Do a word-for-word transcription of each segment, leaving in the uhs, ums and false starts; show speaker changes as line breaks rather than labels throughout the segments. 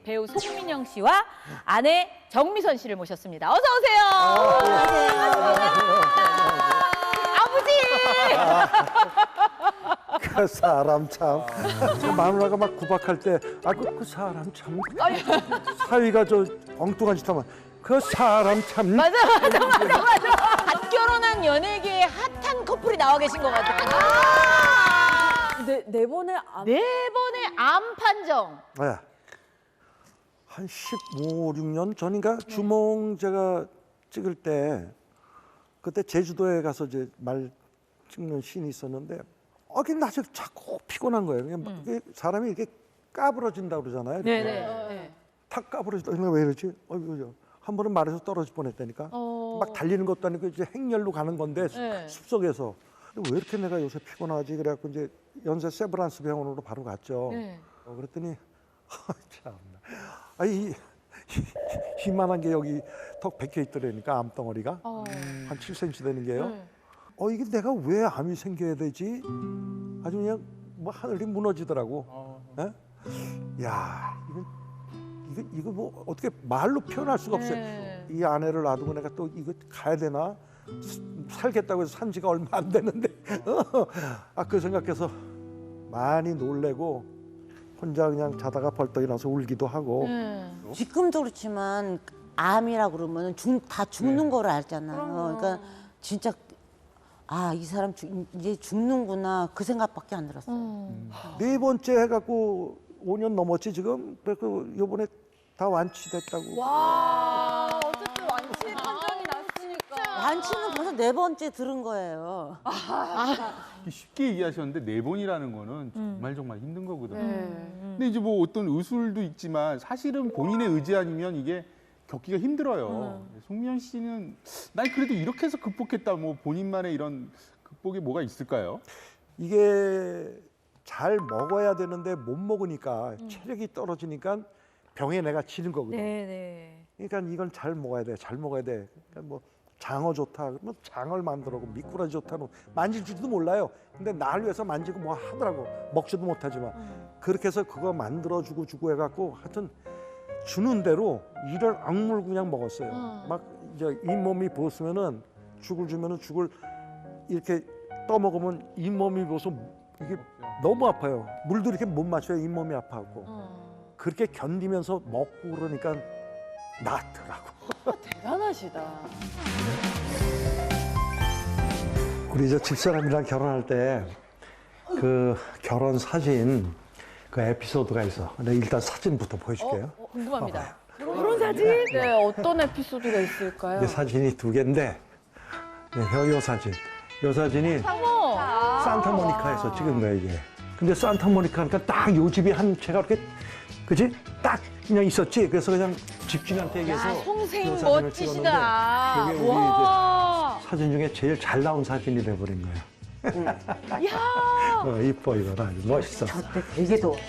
배우 송민영 씨와 아내 정미선 씨를 모셨습니다. 어서 오세요. 아버지.
그 사람 참. 저 마누라가 막 구박할 때, 아, 그, 그 사람 참. 사위가 저 엉뚱한 짓 하면, 그 사람 참.
맞아, 맞아, 맞아, 맞아. 갓 결혼한 연예계의 핫한 커플이 나와 계신 것 같아요. 아
네, 네 번의 암.
네 번의 암 판정.
네. 한 십오, 육 년 전인가 주몽 제가 찍을 때 그때 제주도에 가서 이제 말 찍는 씬이 있었는데 어, 그게 낮에 자꾸 피곤한 거예요. 그냥 막 이게 사람이 이렇게 까부러진다고 그러잖아요. 이렇게.
네네.
탁 까부러진다. 내가 왜 이러지? 어이구, 한 번은 말에서 떨어질 뻔했다니까.
어.
막 달리는 것도 아니고 이제 행렬로 가는 건데
네.
숲속에서 왜 이렇게 내가 요새 피곤하지? 그래갖고 이제 연세 세브란스 병원으로 바로 갔죠.
네.
어, 그랬더니 참나. 아이 이만한 게 여기 턱 박혀 있더라니까 암덩어리가
어.
한 칠 센티미터 되는 게요.
네.
어 이게 내가 왜 암이 생겨야 되지? 아주 그냥 뭐 하늘이 무너지더라고. 예? 야 이거 이거 이거 뭐 어떻게 말로 표현할 수가 없어요.
네.
이 아내를 놔두고 내가 또 이거 가야 되나? 살겠다고 해서 산 지가 얼마 안 됐는데 아 그 생각해서 많이 놀래고 혼자 그냥 자다가 벌떡 일어나서 울기도 하고.
네.
지금도 그렇지만 암이라 그러면 죽, 다 죽는 거를 알잖아요. 그러니까 진짜 아, 이 사람 죽, 이제 죽는구나 그 생각밖에 안 들었어요.
음.
네 번째 해갖고 오 년 넘었지 지금. 그 요번에 다 완치됐다고.
와, 어쨌든 완치 판정이 났으니까.
완치는 벌써 네 번째 들은 거예요.
쉽게 얘기하셨는데 네 번이라는 거는 정말 정말 힘든 거거든요.
네.
근데 이제 뭐 어떤 의술도 있지만 사실은 본인의 의지 아니면 이게 겪기가 힘들어요. 송미연 씨는 난 그래도 이렇게 해서 극복했다. 뭐 본인만의 이런 극복이 뭐가 있을까요?
이게 잘 먹어야 되는데 못 먹으니까 체력이 떨어지니까 병에 내가 지는 거거든.
네네.
그러니까 이건 잘 먹어야 돼, 잘 먹어야 돼. 그러니까 뭐 장어 좋다, 그러면 장어를 만들고 미꾸라지 좋다는 만질 줄도 몰라요. 근데 날 위해서 만지고 뭐 하더라고. 먹지도 못하지만 그렇게 해서 그거 만들어 주고 주고 해갖고 하여튼 주는 대로 이를 악물고 그냥 먹었어요. 막 이제 잇몸이 부었으면은 죽을 주면은 죽을 이렇게 떠먹으면 잇몸이 부어서 이게 너무 아파요. 물도 이렇게 못 마셔요. 잇몸이 아파갖고. 그렇게 견디면서 먹고 그러니까 낫더라고.
대단하시다.
우리 저 집사람이랑 결혼할 때 그 결혼 사진 그 에피소드가 있어. 내가 일단 사진부터 보여줄게요.
어, 궁금합니다.
그런 사진? 네, 어떤 에피소드가 있을까요?
이 사진이 두 개인데, 네, 요 사진. 요 사진이
어머.
산타모니카에서 찍은 거야 이게. 근데 산타모니카니까 딱 요 집이 한 채가 이렇게, 그지? 딱 그냥 있었지. 그래서 그냥 집주인한테 얘기해서
야,
요
송생
사진을
멋지시다.
찍었는데 그게 우리
와.
이제 사진 중에 제일 잘 나온 사진이 돼버린 거야.
야.
어, 이뻐 이거 아주 멋있어.
저때 되게 더워.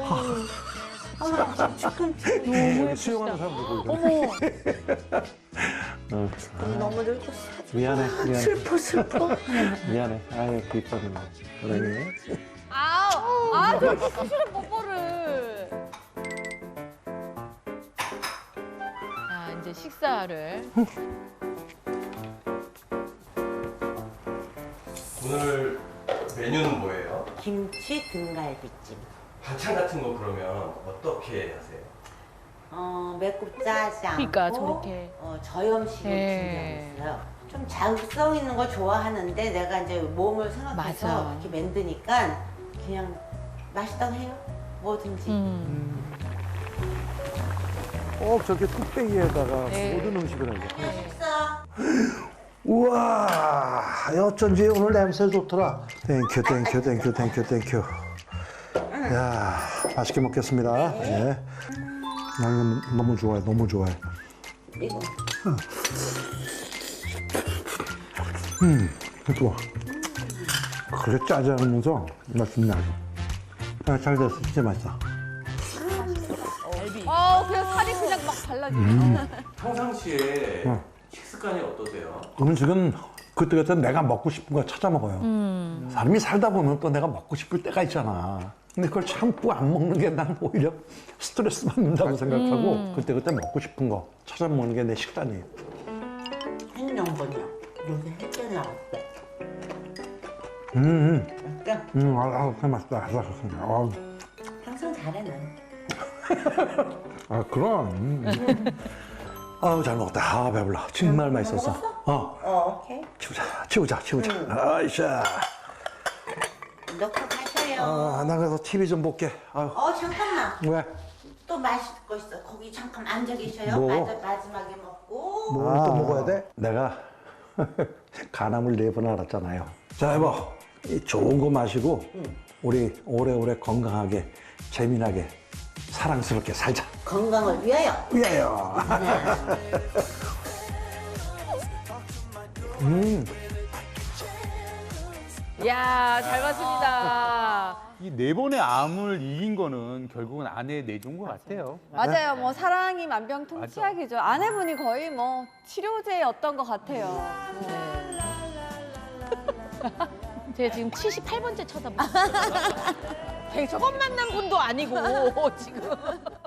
여기 수영하는 사람들 보이잖아.
어머.
어,
너무 늙었어.
미안해, 미안해.
슬퍼 슬퍼.
미안해. 아유, 이뻐는 거. 그러니.
아우. 아, 저렇게 수시로 뽀뽀를. 자, 이제 식사를.
오늘 메뉴는 뭐예요?
김치 등갈비찜.
반찬 같은 거 그러면 어떻게 하세요?
어, 맵고 짜지 않고
그러니까 저렇게.
어, 저염식을
네.
준비하고 있어요. 좀 자극성 있는 거 좋아하는데 내가 이제 몸을 생각해서
맞아.
이렇게 만드니까 그냥 맛있다고 해요. 뭐든지.
음.
꼭 저렇게 뚝배기에다가
네.
모든 음식을 하죠.
맛있어.
우와, 어쩐지 오늘 냄새 좋더라. 땡큐, 땡큐, 땡큐, 땡큐, 땡큐. 야, 맛있게 먹겠습니다. 네. 나 이거 너무 좋아해, 너무 좋아해.
이거.
음, 좋아. 그래 짜지 않으면서 맛있네. 아, 잘 됐어, 진짜 맛있어.
어, 그냥 살이 그냥 막 발라지네.
평상시에
어.
식습관이 어떠세요?
음식은 그때 그때 내가 먹고 싶은 거 찾아 먹어요. 사람이 살다 보면 또 내가 먹고 싶을 때가 있잖아. 근데 그걸 참고 안 먹는 게 난 오히려 스트레스 받는다고 생각하고 그때 그때 먹고 싶은 거 찾아 먹는 게 내 식단이에요.
행정번이요. 요새 햇볕 나왔대.
음,
맛있어?
음, 아, 아, 그 맛있다. 아, 아,
항상 잘해 난.
아, 그럼. 음. 아우, 잘 먹었다. 아, 배불러. 정말 맛있었어. 어,
어, 오케이.
치우자, 치우자, 치우자. 아이샤.
넣고 가셔요.
아, 나 그래서 티비 좀 볼게. 아유,
어, 잠깐만.
왜?
또 마실 거 있어. 거기 잠깐 앉아 계셔요.
뭐?
마지- 마지막에 먹고.
뭘 또 먹어야 돼? 내가 간암을 네 번 알았잖아요. 자, 여보, 이 좋은 거 마시고 우리 오래오래 건강하게, 재미나게, 사랑스럽게 살자.
건강을 위하여.
위하여. 음,
이야, 잘 봤습니다.
이 네 번의 암을 이긴 거는 결국은 아내의 내조인 것 같아요.
맞아요. 뭐 사랑이 만병통치약이죠. 아내분이 거의 뭐 치료제였던 것 같아요.
제가 지금 칠십팔 번째 쳐다보고 있어요. 처음 만난 분도 아니고 지금.